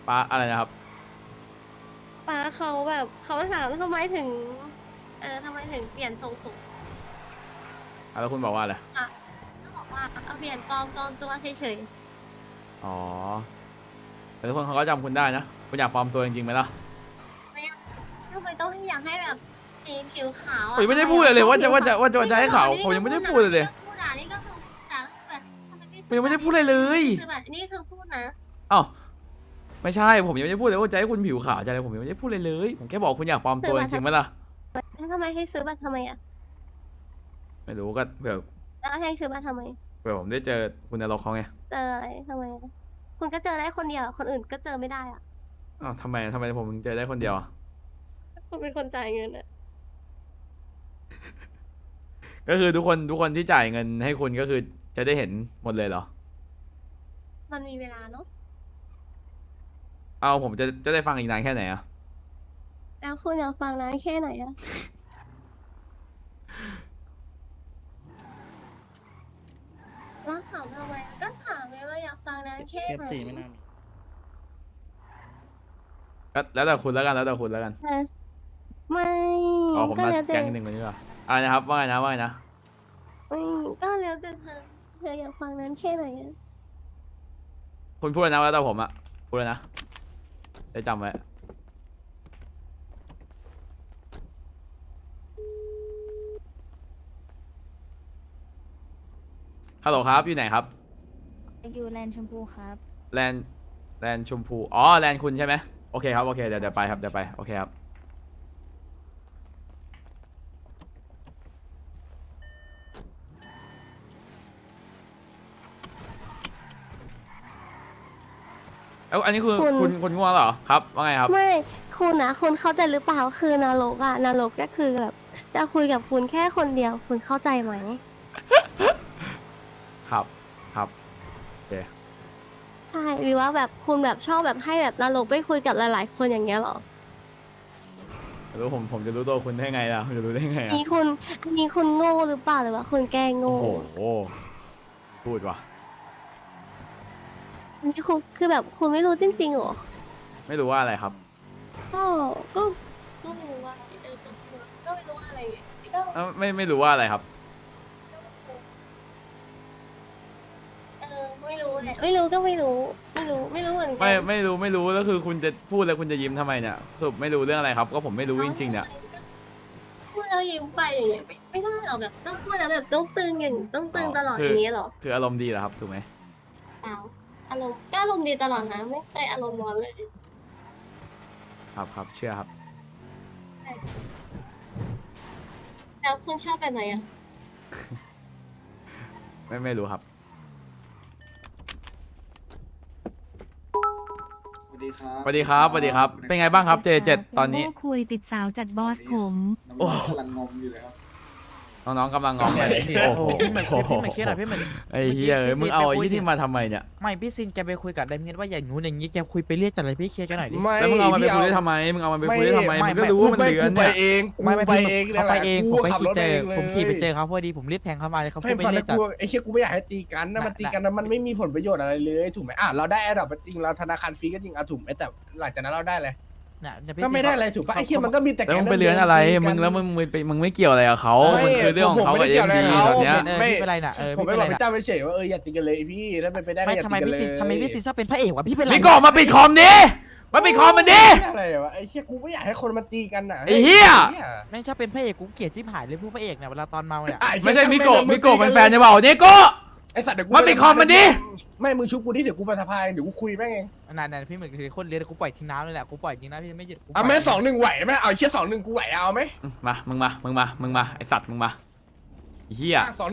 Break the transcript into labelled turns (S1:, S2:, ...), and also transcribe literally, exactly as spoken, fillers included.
S1: ป้าอะไรนะครับ
S2: ป้าเขาแบบเขาถามทำไมถึงเออทำไมถึงเปลี่ยนทรงผม
S1: อ่ะแล้วคุณบอกว่าอะไร
S2: อ่ะก็บอกว่าเอาเปลี่ยนปลอมปลอมตัวเฉย
S1: อ๋อแต่ทุกคนเขาก็จำคุณได้นะคุณอยากปลอมตัวจริงๆไหมล่ะ
S2: ๆไม่อะทำไมต้องให้อยากให้แบบสีผิวขาว
S1: ผม
S2: อ่ะ
S1: ยังไม่ได้พูดเลยเลยว่าจะว่าจะว่าจะว่าจะให้เขาวผมยังไม่ได้พูดเลยเลย
S2: พูดอ่ะนี่ก็คือพูดนะแบบทำไม
S1: ผมยังไม่ได้พูดเลยเลย
S2: คือแบบนี่คือพูดนะ
S1: อ้าวไม่ใช่ผมยังไม่ได้พูดเลยว่าจะให้คุณผิวขาวจะอะไรผมยังไม่ได้พูดเลยเลยผมแค่บอกคุณอยากปลอมตัวจริงๆไหมล่ะ
S2: แล้วทำไมให้ซื้อบัตรทำไมอ่ะ
S1: ไม่รู้ก็เผื่อ
S2: แล้วให้ซื้อบัตรทำไม
S1: เผื่อผมได้เจอคุณนรกเขาไง
S2: เจออะไรทำไมอะคุณก็เจอได้คนเดียวคนอื่นก็เจอไม่ได้อ่ะ
S1: อ้าวทำไมทำไมผมถึงเจอได้คนเดียวอะ
S2: คุณเป็นคนจ่ายเงินอ่ะ
S1: ก็คือทุกคนทุกคนที่จ่ายเงินให้คุณก็คือจะได้เห็นหมดเลยเหรอ
S2: มันมีเวลาเนาะ
S1: เอาผมจะจะได้ฟังอีกนานแค่ไหนอะ
S2: แล้วคุณอยากฟังนานแค่ไหนอะแล้วถามทำไมก็ถามไงว่าอยากฟังนานแค่
S3: เอฟ
S2: ไหน
S3: สี่ไม่น่ามี
S1: ก็แล้วแต่คุณแล้วกันแล้วแต่คุณแล้วกัน
S2: ฮะไม่
S1: อ๋อผม
S2: ก็
S1: นัด
S2: แล้วแต่
S1: แก๊งหนึ่งวันนี้ว่ะอะไรนะครับว่าไงนะว่าไงนะ
S2: ไม่ก็แล้วแต่เธอเธออยากฟังนานแค่ไหนอะ
S1: คุณพูดแล้วนะแล้วแต่ผมอะพูดแล้วนะได้จำไว้ฮัลโหลครับอยู่ไหนครับ
S4: อยู่แลนด์ชมพูครับ
S1: แลนแลนชมพูอ๋อแลนคุณใช่ไหมโอเคครับโอเคเดี๋ยวเดี๋ยวไปครับเดี๋ยวไปโอเคครับแล้วอันนี้คือคุณคุณง่วงเหรอครับว่าไงครับ
S2: ไม่คุณนะคุณเข้าใจหรือเปล่าคือนรกอะนรกก็คือแบบจะคุยกับคุณแค่คนเดียวคุณเข้าใจไหม
S1: ครับครับโอเค
S2: ใช่หรือว่าแบบคุณแบบชอบแบบให้แบบนรกไปคุยกับหลายๆ คนอย่างเงี้ยเหรอ
S1: แล้วผมผมจะรู้ตัวคุณได้ไงล่ะผมจะรู้ได้ไง
S2: อัน
S1: อะ
S2: นี้คุณอันนี้คุณโง่หรือเปล่าหรือว่าคุณแกล้ง
S1: โอ้
S2: โง่
S1: โหพูดว่ะ
S2: อันนี้คุณคือแบบคุณไม่รู้จริงๆเหรอ
S1: ไม่รู้ว่าอะไรครับ
S2: ก็ก็ก็ไม่รู้ว่าเออจะพูดก็ไม่รู้ว่าอะไรก็
S1: เอ้าไม่ไม่รู้ว่าอะไรครับ
S2: เออไม่รู้แหละไม่รู้ก็ไม่รู้ ไม่รู้ไม่รู้เหมือนกั
S1: ไม่ไม่รู้ไม่รู้แล้วคือคุณจะพูดแล้วคุณจะยิ้มทำไมเนี่ยสรุปไม่รู้เรื่องอะไรครับ ก็ผมไม่รู้จริงๆเนี่ย
S2: พูดแล้วยิ้มไปอย่างเงี้ยไม่ไม่ได้หรอกแบบต้องพูดแล้วแบบต้องตึงอย่างต้องตึงตลอด
S1: คือ
S2: อย่างเงี้ยเหรอ
S1: คืออารมณ์ดีเหรอครับถูกไหม
S2: เปล่าอารมณ์ก็อารมณ์ดีตลอดนะไม่เคยอารมณ์ร้อนเลย
S1: ครับครับเชื่อครับ
S2: แล้วคุณชอบแบบไหนอ่ะ
S1: ไม่ไม่รู้ครับ
S5: สวัสดีครับ
S1: สวัสดีครับสวัสดีครับเป็นไงบ้างครับ เจ เจ็ด ตอนนี้
S4: โคุยติดสาวจัดบอสผม
S5: โอ้กำลังงงอยู่เลยครับ
S1: น้องๆกำลังงอมกันโอ้โห
S6: พี่เหมือนพี่เหมือนเคสหน่อยพี่เหมือน
S1: ไอ้เหี้ยเอ้ยมึงเอาไอ้ยี่ที่มาทำไมเนี่ย
S6: ไม่พี่ซินแกไปคุยกับไดเมียนว่าอย่างนู้นอย่างนี้แกคุยไปเรียกจัดอะไรพี่เคลียร์กันหน่อยดิ
S7: ไม่
S1: แล้วมึงเอามันไป
S7: พี่
S1: คุยได้ทำไมมึงเอามันไปคุยได้ทำไม
S6: ไม่
S1: มึงก็รู้ว่ามัน
S7: ไม่
S1: เลือน
S7: กูไป
S1: เนี่ย
S7: เองกู
S6: ไม่ไม่
S7: ไป
S6: พี่
S7: เอง
S6: เขาไปเองผมไป
S7: ขับ
S6: ขี่
S7: รถ
S6: เจอ
S7: เองลย
S6: ผมขี่ไปเจอเขาพอดีผมรีบแทงเขามาเลยเขา
S7: ให้
S6: พูดไป
S7: ฟัง
S6: เรีย
S7: นะ
S6: กจัด
S7: กูไอ้เชี่ยกูไม่อยากให้ตีกันนะมันตีกันนะมันไม่มีผลประโยชน์อะไรเลยถูกไหมอ่ะเราได้แอร์ดรอปจริงเราธนาคารฟรีก็จริงอ่ะถูกไหมแต่หลังจากนั้นเราได้เลย
S6: น่ะเดี๋ยวพี่
S7: ก็ไม่ได้อะไรถูกปะไอ้เชี่ยมันก็มีแต่
S1: แล้ว
S7: แก๊
S1: มึ
S7: ง
S1: งไปเลื้อนอะไร
S7: ตีกั
S1: มึงแล้วมึงมึงไปมึงไม่เกี่ยวอะไรกับเขา
S7: ไม่
S1: มันคือเรื่องของเขา
S7: ผมไม่
S1: กับ
S7: ได้
S1: เอ็
S7: เกี่ยว
S1: ม
S7: อะไร
S1: ดี
S7: กับเขา
S1: ตอนเนี้ย
S6: เออไม่เป็นไรน่ะเออ
S7: ผม
S6: ไม่
S7: ไม่
S6: เป็น
S7: บ
S6: ไร
S7: อกพี่
S6: น่ะ
S7: เจ้าไปเฉยว่าเอออย่าตีกันเลยพี่ถ้าเป็นไปได้ก็
S6: ไม่
S7: อย่า
S6: ทำไม
S7: ตีกัน
S6: พี่
S7: เลย
S6: ซินทำไมพี่ซินชอบเป็นพระเอกวะพี่เป็นไร
S1: มิโกะมาปิดคอมดิมาปิดคอมมันดิ
S7: อะไรวะไอ้เชี่ยกูไม่อยากให้คนมันตีกันน่ะ
S1: ไอ้เหี้ย
S6: แม่งชอบเป็นพระเอกกูเกลียดจิ้มหายเลยผู้พระเอกเนี่ยเวลาตอนเมาเนี่ย
S7: อ่ะอ้เหี้ย
S1: ไม่ใช่มิโกะ
S7: ง
S1: มิโกะเป็นแฟนจะเปล่าเนโกะ
S7: ไอ้สัตว์เดี๋ยวกู
S1: มาปิดคอมมันดิ
S7: ไม่มึงชุบกูดิเดี๋ยวกูไปสะพายเดี๋ยวกูคุยแม่งเอง
S6: นานๆพี่เหมือนคือคนเลี้ยงกูปล่อยทิ้งน้ำเลยแหละกูปล่อยจริงนะพี่ไม่หยุดกูปล่
S7: เอา
S6: ย
S7: แม่สองหนึ่งไหวไหมเอาไอ้เชี่ยสองหนึ่งกูไหวเอาไหม
S1: มามึงมามึงมามึงมาไอสัตว์มึงมาไอ้เหี้ย
S7: อ่ะสอง